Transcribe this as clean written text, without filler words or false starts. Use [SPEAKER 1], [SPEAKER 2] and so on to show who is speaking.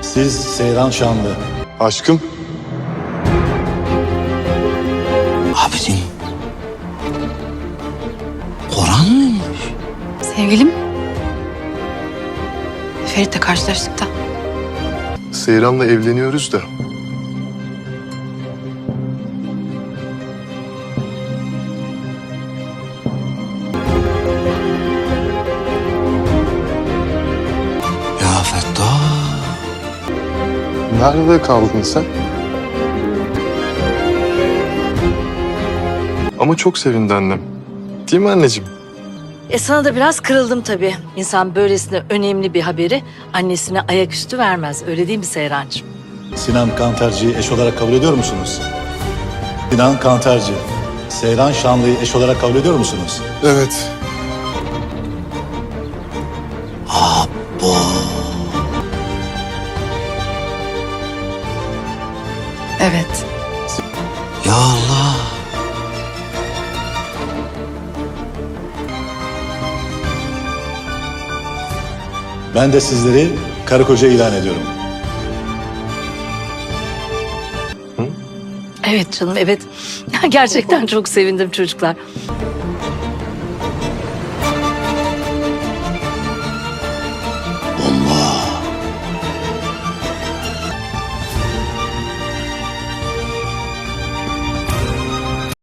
[SPEAKER 1] Siz Seyran Şanlı.
[SPEAKER 2] Aşkım.
[SPEAKER 3] Abicim. Koran mıymış?
[SPEAKER 4] Sevgilim. Ferit'le karşılaştık da.
[SPEAKER 2] Seyran'la evleniyoruz da.
[SPEAKER 3] Ya Fettah.
[SPEAKER 2] Nerede kaldın sen? Ama çok sevindi annem. Değil mi anneciğim?
[SPEAKER 5] Sana da biraz kırıldım tabii. İnsan böylesine önemli bir haberi annesine ayaküstü vermez. Öyle değil mi Seyrancığım?
[SPEAKER 1] Sinan Kantarcı'yı eş olarak kabul ediyor musunuz? Sinan Kantarcı, Seyran Şanlı'yı eş olarak kabul ediyor musunuz?
[SPEAKER 2] Evet.
[SPEAKER 3] Abo.
[SPEAKER 4] Evet.
[SPEAKER 3] Ya Allah.
[SPEAKER 1] Ben de sizleri karı koca ilan ediyorum.
[SPEAKER 5] Evet canım, evet. Gerçekten çok sevindim çocuklar.